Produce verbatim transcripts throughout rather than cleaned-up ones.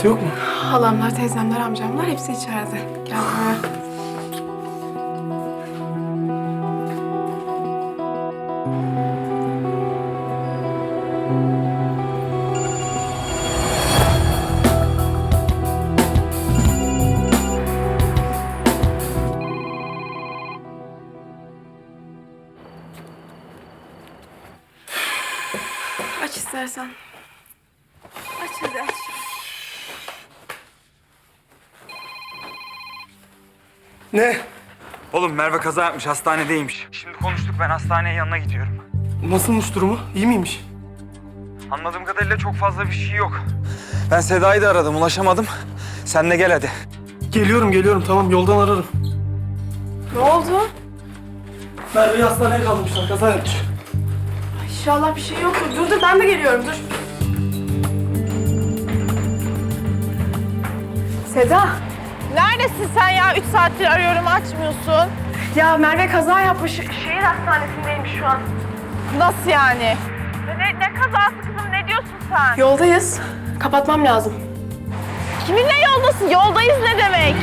kimse yok mu? Halamlar, teyzemler, amcamlar hepsi içeride. Gel buraya. Aç istersen. Aç hadi aç. Ne? Oğlum Merve kaza yapmış, hastanedeymiş. Şimdi konuştuk, ben hastaneye yanına gidiyorum. Nasılmış durumu? İyi miymiş? Anladığım kadarıyla çok fazla bir şey yok. Ben Seda'yı da aradım, ulaşamadım. Sen de gel hadi. Geliyorum geliyorum tamam yoldan ararım. Ne oldu? Merve'yi hastaneye kaldırmışlar kaza yapmış. İnşallah bir şey yoktur. Dur dur ben de geliyorum dur. Seda. Neredesin sen ya? Üç saattir arıyorum, açmıyorsun. Ya Merve kaza yapmış. Şehir hastanesindeymiş şu an. Nasıl yani? Ne, ne kazası kızım? Ne diyorsun sen? Yoldayız. Kapatmam lazım. Kiminle yoldasın? Yoldayız ne demek?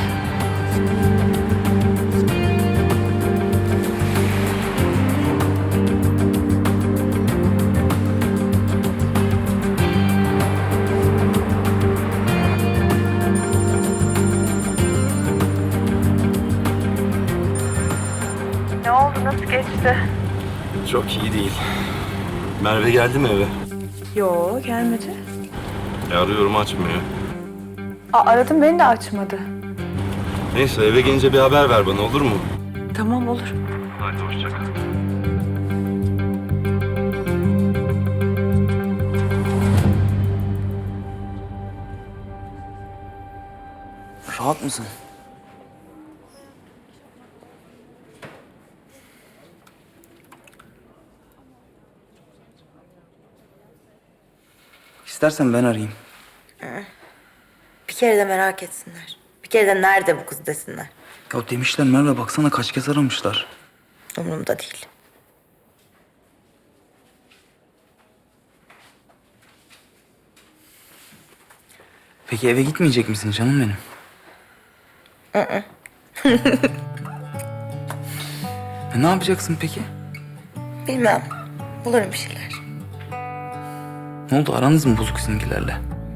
Ne oldu? Nasıl geçti? Çok iyi değil. Merve geldi mi eve? Yo, gelmedi. E, arıyorum açmıyor. Aa, aradım, beni de açmadı. Neyse eve gelince bir haber ver bana olur mu? Tamam, olur. Hadi hoşça kal. Rahat mısın? İstersen ben arayayım. Bir kere de merak etsinler. Bir kere de nerede bu kız desinler. Ya demişler Merve, baksana kaç kez aramışlar. Umurumda değil. Peki eve gitmeyecek misin canım benim? Hı. E, ne yapacaksın peki? Bilmem. Bulurum bir şeyler. Ne oldu, aranız mı bozuk sizinkilerle?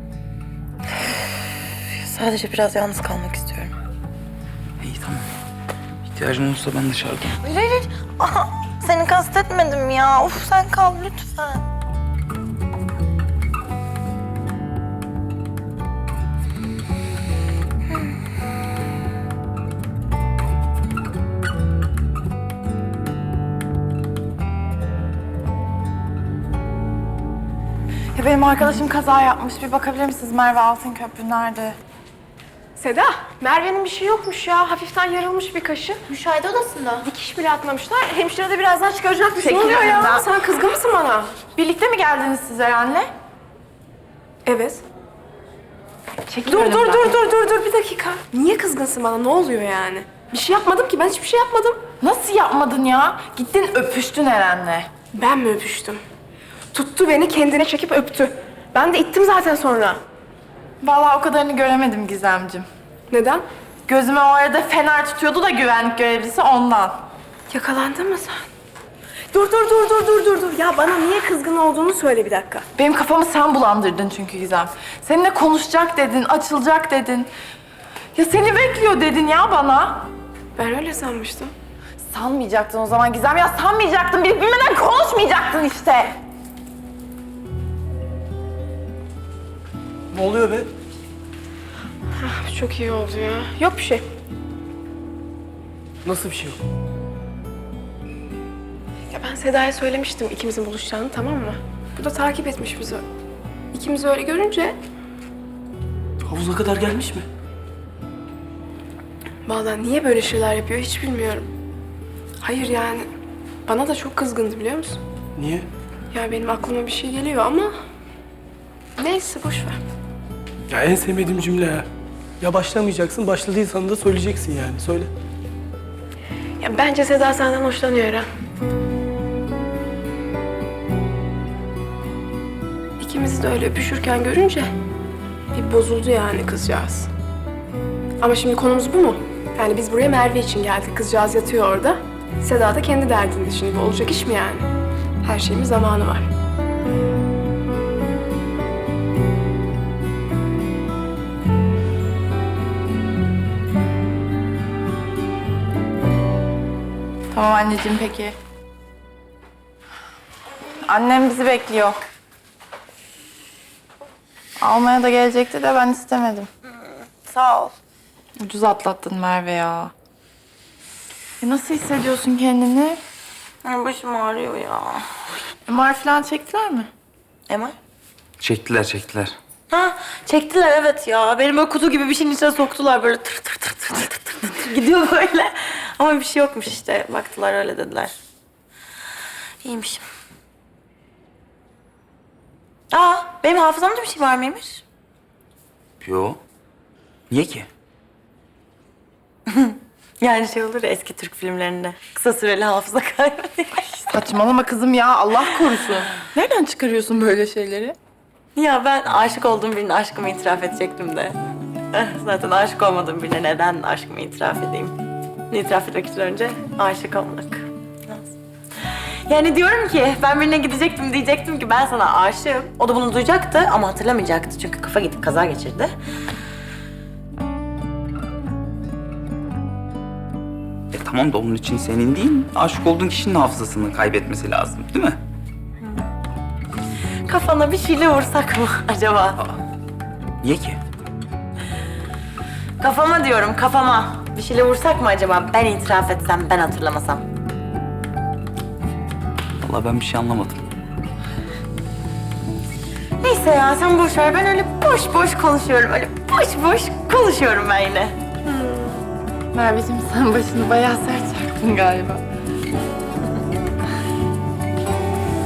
Sadece biraz yalnız kalmak istiyorum. İyi tamam. İhtiyacın olursa ben dışarıdayım. Hayır hayır. Aha, seni kastetmedim ya. Uf sen kal lütfen. Ya benim arkadaşım kaza yapmış. Bir bakabilir misiniz? Merve Altınköprü nerede? Seda, Merve'nin bir şey yokmuş ya. Hafiften yarılmış bir kaşı. Müşahede odasında. Dikiş bile atmamışlar. Hemşire de birazdan çıkaracakmış. Ne Çekil oluyor ya? önümden. Sen kızgın mısın bana? Birlikte mi geldiniz siz Eren'le? Evet. Çekil Dur dur önümden. dur dur dur dur bir dakika. Niye kızgınsın bana? Ne oluyor yani? Bir şey yapmadım ki. Ben hiçbir şey yapmadım. Nasıl yapmadın ya? Gittin öpüştün Eren'le. Ben mi öpüştüm? Tuttu beni kendine çekip öptü. Ben de ittim zaten sonra. Vallahi o kadarını göremedim Gizemcim. Neden? Gözüme o arada fener tutuyordu da güvenlik görevlisi ondan. Yakalandın mı sen? Dur dur dur dur dur dur dur. Ya bana niye kızgın olduğunu söyle bir dakika. Benim kafamı sen bulandırdın çünkü Gizem. Seninle konuşacak dedin, açılacak dedin. Ya seni bekliyor dedin ya bana. Ben öyle sanmıştım. Sanmayacaktın o zaman Gizem ya, sanmayacaktın. Bilip bilmeden konuşmayacaktın işte. Ne oluyor be? Ah, çok iyi oldu ya. Yok bir şey. Nasıl bir şey yok? Ya ben Seda'ya söylemiştim ikimizin buluşacağını, tamam mı? Bu da takip etmiş bizi. İkimizi öyle görünce Havuza kadar gelmiş mi? vallahi niye böyle şeyler yapıyor hiç bilmiyorum. Hayır yani bana da çok kızgındı biliyor musun? Niye? Ya benim aklıma bir şey geliyor ama neyse boş ver. Ya en sevmediğim cümle ya. Ya başlamayacaksın, başladıysan da söyleyeceksin yani. Söyle. Ya bence Seda senden hoşlanıyor Eren. İkimizi de öyle öpüşürken görünce Bir bozuldu yani kızcağız. Ama şimdi konumuz bu mu? Yani biz buraya Merve için geldik. Kızcağız yatıyor orada. Seda da kendi derdinde şimdi. Bu olacak iş mi yani? Her şeyin bir zamanı var. Tamam anneciğim peki. Annem bizi bekliyor. Almaya da gelecekti de ben istemedim. Sağ ol. Ucuz atlattın Merve ya. E nasıl hissediyorsun kendini? Ay, başım ağrıyor ya. M R falan çektiler mi? Emel? Çektiler çektiler. Ha, çektiler evet ya. Benim böyle kutu gibi bir şeyin içine soktular böyle tır tır tır tır tır tır tır tır gidiyor böyle. Ama bir şey yokmuş işte. Baktılar öyle dediler. İyiymişim. Aa, benim hafızamda bir şey var mıymış? Yo. Niye ki? Yani şey olur ya eski Türk filmlerinde. Kısa süreli hafıza kaybı. Saçmalama kızım ya Allah korusun. Nereden çıkarıyorsun böyle şeyleri? Ya ben aşık olduğum birine aşkımı itiraf edecektim de. Eh, Zaten aşık olmadığım birine neden aşkımı itiraf edeyim? İtiraf etmek için önce aşık olmak lazım. Yani diyorum ki ben birine gidecektim diyecektim ki ben sana aşığım. O da bunu duyacaktı ama hatırlamayacaktı çünkü kafa gidip kaza geçirdi. E tamam da onun için senin değil, aşık olduğun kişinin hafızasını kaybetmesi lazım değil mi? Kafana bir şeyle vursak mı acaba? Niye ki? Kafama diyorum kafama. Bir şeyle vursak mı acaba? Ben itiraf etsem, ben hatırlamasam. Vallahi ben bir şey anlamadım. Neyse ya sen boş ver. Ben öyle boş boş konuşuyorum. Öyle boş boş konuşuyorum ben yine. Merveciğim sen başını bayağı sert çarptın galiba.